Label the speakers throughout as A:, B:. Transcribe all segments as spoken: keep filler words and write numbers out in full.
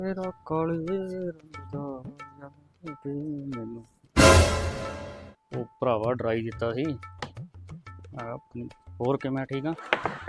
A: ਤੇਰਾ ਕਾਲੇ ਰੰਗ ਦਾ ਯਾਦ ਮੈਨੂੰ ਉਹ ਭਰਾਵਾ ਡਰਾਈ ਦਿੱਤਾ ਸੀ ਆ ਆਪਣੀ। ਹੋਰ ਕਿਵੇਂ ਠੀਕ ਆ?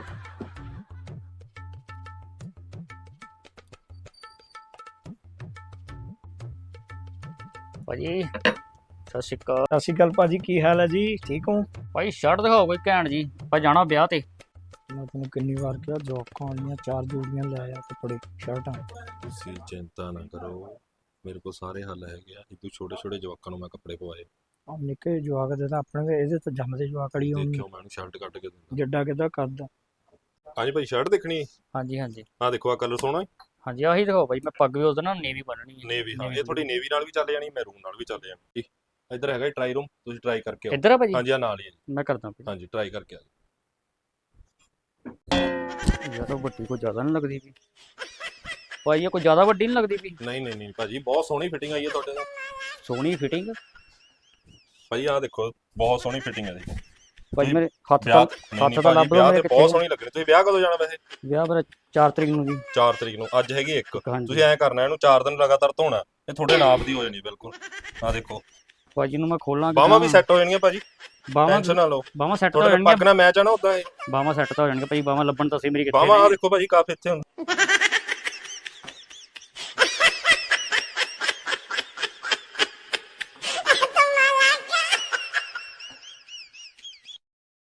A: ਭਾਜੀ ਸਤਿ ਸ਼੍ਰੀ ਅਕਾਲ।
B: ਸਤਿ ਸ਼੍ਰੀ ਅਕਾਲ ਭਾਜੀ, ਕੀ ਹਾਲ ਹੈ ਜੀ? ਠੀਕ ਹੋ
A: ਭਾਈ ਸ਼ਰਟ ਦਿਖਾਓ ਕੋਈ ਘੈਂਟ ਜੀ, ਆਪਾਂ ਜਾਣਾ ਵਿਆਹ ਤੇ।
B: ਮੈਂ ਤੁਹਾਨੂੰ ਕਿੰਨੀ ਵਾਰ ਕਿਹਾ ਜੋਕਾਂ ਵਾਲੀਆਂ ਚਾਰ ਜੋੜੀਆਂ ਲੈ ਆ ਕੱਪੜੇ ਸ਼ਰਟਾਂ।
C: ਤੁਸੀਂ ਚਿੰਤਾ ਨਾ ਕਰੋ, ਮੇਰੇ ਕੋਲ ਸਾਰੇ ਹੱਲ ਹੈਗੇ ਆ। ਇਦੋਂ ਛੋਟੇ ਛੋਟੇ ਜਵਾਕਾਂ ਨੂੰ ਮੈਂ ਕੱਪੜੇ ਪਵਾਏ।
B: ਆ ਨਿੱਕੇ ਜਵਾਕ ਦੇ ਤਾਂ ਆਪਣੇ ਇਹਦੇ ਤਾਂ ਜੰਮਦੇ ਜਵਾਕ ਵਾਲੀ ਹੋਣੀ।
C: ਦੇਖਿਓ ਮੈਂ ਇਹਨੂੰ ਸ਼ਰਟ ਕੱਢ ਕੇ ਦਿੰਦਾ।
B: ਜੱਡਾ ਕਿੱਦਾਂ ਕਰਦਾ।
C: ਹਾਂਜੀ ਭਾਈ ਸ਼ਰਟ ਦੇਖਣੀ?
A: ਹਾਂਜੀ ਹਾਂਜੀ
C: ਆਹ ਦੇਖੋ ਆ ਕਲਰ ਸੋਹਣਾ।
A: ਹਾਂਜੀ ਆਹੀ ਦਿਖਾਓ ਭਾਈ। ਮੈਂ ਪੱਗ ਵੀ ਉਹਦੇ ਨਾਲ ਨੇਵੀ ਬੰਨਣੀ ਹੈ।
C: ਨੇਵੀ, ਹਾਂ ਇਹ ਤੁਹਾਡੀ ਨੇਵੀ ਨਾਲ ਵੀ ਚੱਲ ਜਾਣੀ, ਮੈਰੂਨ ਨਾਲ ਵੀ ਚੱਲ ਜਾਣੀ। ਇੱਧਰ ਹੈਗਾ ਟਰਾਈ ਰੂਮ, ਤੁਸੀਂ ਟਰਾਈ ਕਰਕੇ ਆਓ।
A: ਇੱਧਰ ਆ ਭਾਜੀ?
C: ਹਾਂਜੀ ਆ ਨਾਲ ਹੀ ਹੈ ਜੀ।
A: ਮੈਂ ਕਰਦਾ ਭਾਈ।
C: ਹਾਂਜੀ ਟਰਾਈ ਕਰਕੇ ਆ
A: ਯਾਰ ਵੱਡੀ ਕੋਈ ਜ਼ਿਆਦਾ ਨਹੀਂ ਲੱਗਦੀ ਵੀ ਭਾਈ, ਇਹ ਕੋਈ ਜ਼ਿਆਦਾ ਵੱਡੀ ਨਹੀਂ ਲੱਗਦੀ ਵੀ।
C: ਨਹੀਂ ਨਹੀਂ ਨਹੀਂ ਭਾਜੀ, ਬਹੁਤ ਸੋਹਣੀ ਫਿਟਿੰਗ ਆਈ ਹੈ ਤੁਹਾਡੇ ਨਾਲ।
A: ਸੋਹਣੀ ਫਿਟਿੰਗ
C: ਭਾਈ ਆਹ ਦੇਖੋ, ਬਹੁਤ ਸੋਹਣੀ ਫਿਟਿੰਗ ਹੈ ਦੇਖੋ
A: ਭਾਈ। ਮੇਰੇ ਹੱਥ
C: ਵਿਆਹ
A: ਤਾਂ ਹੱਥ ਤਾਂ ਲੱਭ
C: ਵਿਆਹ ਤੇ ਬਹੁਤ ਸੋਹਣੀ ਲੱਗਣੀ। ਤੁਸੀਂ ਵਿਆਹ ਕਦੋਂ ਜਾਣਾ ਵੈਸੇ?
A: ਵਿਆਹ ਮੇਰਾ ਚਾਰ ਤਰੀਕ ਨੂੰ ਜੀ।
C: ਚਾਰ ਤਰੀਕ ਨੂੰ। ਅੱਜ ਹੈਗੀ ਇੱਕ।
A: ਹਾਂਜੀ।
C: ਤੁਸੀਂ ਐਂ ਕਰਨਾ, ਇਹਨੂੰ ਚਾਰ ਦਿਨ ਲਗਾਤਾਰ ਧੋਣਾ, ਇਹ ਤੁਹਾਡੇ ਨਾਪ ਦੀ ਹੋ ਜਾਣੀ ਬਿਲਕੁਲ। ਆਹ ਦੇਖੋ
A: ਭਾਜੀ ਨੂੰ ਮੈਂ ਖੋਲਾਂ,
C: ਬਾਹਾਂ ਵੀ ਸੈੱਟ ਹੋ ਜਾਣਗੀਆਂ ਭਾਜੀ,
A: ਬਾਹਾਂ
C: ਟੈਨਸ਼ਨ ਨਾ ਲਓ।
A: ਬਾਹਾਂ ਸੈੱਟ ਤਾਂ ਹੋ
C: ਤੁਹਾਡੇ
A: ਜਾਣਗੀਆਂ।
C: ਪੱਗ ਨਾਲ ਮੈਚ ਆ ਨਾ ਉਦਾਂ ਇਹ।
A: ਬਾਹਾਂ ਸੈੱਟ ਤਾਂ ਹੋ ਜਾਣਗੀਆਂ ਭਾਈ, ਬਾਹਾਂ ਲੱਭਣ ਤਾਂ ਸੀ ਮੇਰੀ ਕਿੱਥੇ
C: ਬਾਹਾਂ ਆ
A: ਨੇ।
C: ਦੇਖੋ ਭਾਜੀ ਕਾਫੀ ਇੱਥੇ ਹੁੰਦੇ।